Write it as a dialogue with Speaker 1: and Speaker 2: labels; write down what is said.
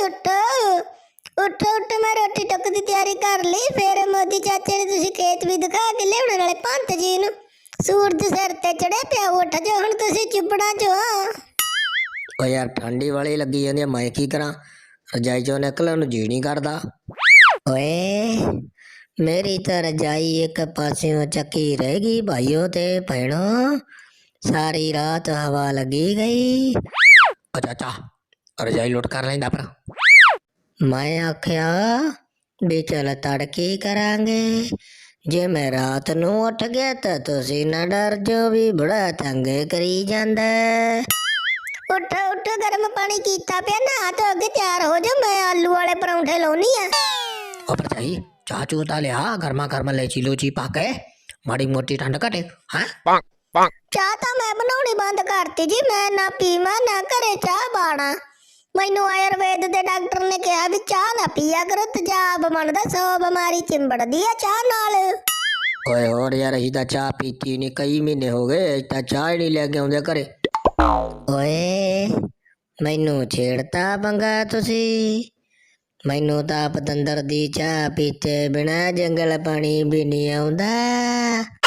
Speaker 1: ਉੱਠ ਉੱਠ ਉੱਠ, ਮੈਂ ਰੋਟੀ ਟੁੱਕ ਦੀ ਤਿਆਰੀ ਕਰ ਲਈ। ਫਿਰ ਮੋਦੀ ਚਾਚੇ ਨੇ ਤੁਸੀਂ ਖੇਤ ਵੀ ਦਿਖਾ ਕੇ ਲਿਆਉਣ ਵਾਲੇ ਪੰਤ ਜੀ ਨੂੰ। ਸੂਰਜ ਸਿਰ ਤੇ ਚੜਿਆ ਪਿਆ, ਉੱਠ ਜਾ ਹੁਣ, ਤੁਸੀਂ ਚੁੱਪੜਾ ਚੋ।
Speaker 2: ਓ ਯਾਰ ਠੰਡੀ ਵਾਲੀ ਲੱਗੀ ਜਾਂਦੀ ਆ, ਮੈਂ ਕੀ ਕਰਾਂ? ਰਜਾਈ ਚੋਂ ਨਿਕਲਣ ਨੂੰ ਜੀ ਨਹੀਂ ਕਰਦਾ। ਓਏ ਮੇਰੀ ਤਾਂ ਰਜਾਈ ਇੱਕ ਪਾਸਿਓਂ ਚੱਕੀ ਰਹਿ ਗਈ ਭਾਈਓ ਤੇ ਭੈਣੋ, ਸਾਰੀ ਰਾਤ ਹਵਾ ਲੱਗੀ ਗਈ। ਓ ਚਾਚਾ ਰਜਾਈ ਲੁੱਟ ਕਰ ਲੈਂਦਾ ਪਰ ਮੈਂ ਆਖਿਆ ਵੀ ਚੱਲ ਤੜਕੀ ਕਰਾਂਗੇ। ਜੇ ਮੈਂ ਰਾਤ ਨੂੰ ਉੱਠ ਗਿਆ ਤਾਂ ਤੁਸੀਂ ਨਾ ਡਰ ਜੋ ਵੀ ਬੜਾ ਤੰਗ ਕਰੀ ਜਾਂਦਾ।
Speaker 1: ਉੱਠ ਉੱਠ, ਗਰਮ ਪਾਣੀ ਕੀਤਾ ਪਿਆ, ਨਹਾ ਧੋ ਕੇ ਤਿਆਰ ਹੋ ਜਾ, ਮੈਂ ਆਲੂ ਵਾਲੇ ਪਰੌਂਠੇ ਲਾਉਣੀ ਆ।
Speaker 2: ਉਹ ਭਰਜਾਈ ਚਾਹ ਚੂਹ ਤਾਂ ਲਿਆ, ਗਰਮਾ ਗਰਮ ਲੈਚੀ ਲੂਚੀ ਪਾ ਕੇ, ਮਾੜੀ ਮੋਟੀ ਠੰਡ ਘਟੇ। ਹਾਂ
Speaker 1: ਚਾਹ ਤਾਂ ਮੈਂ ਬਣਾਉਣੀ ਬੰਦ ਕਰਤੀ ਜੀ, ਮੈਂ ਨਾ ਪੀਵਾਂ ਨਾ ਘਰੇ ਚਾਹ ਬਾਣਾ। ਮੈਨੂੰ ਆਯੁਰਵੇਦ ਦੇ ਡਾਕਟਰ ਨੇ ਕਿਹਾ ਵੀ ਚਾਹ ਨਾ ਪੀਆ ਕਰੋ, ਤੇਜ਼ਾਬ ਬਣਦਾ, 100 ਬਿਮਾਰੀ ਚਿੰਬੜਦੀ ਆ ਚਾਹ ਨਾਲ।
Speaker 2: ਓਏ ਹੋਰ ਯਾਰ, ਅਸੀਂ ਤਾਂ ਚਾਹ ਪੀਤੀ ਨਹੀਂ, ਕਈ ਮਹੀਨੇ ਹੋ ਗਏ, ਅਸੀਂ ਤਾਂ ਚਾਹ ਹੀ ਨਹੀਂ ਲੈ ਕੇ ਆਉਂਦੇ ਘਰੇ। ਓਏ ਮੈਨੂੰ ਛੇੜਤਾ ਪੰਗਾ ਤੁਸੀਂ, ਮੈਨੂੰ ਤਾਂ ਪਤੰਦਰ ਦੀ ਚਾਹ ਪੀਤੇ ਬਿਨਾ ਜੰਗਲ ਪਾਣੀ ਵੀ ਨਹੀਂ ਆਉਂਦਾ।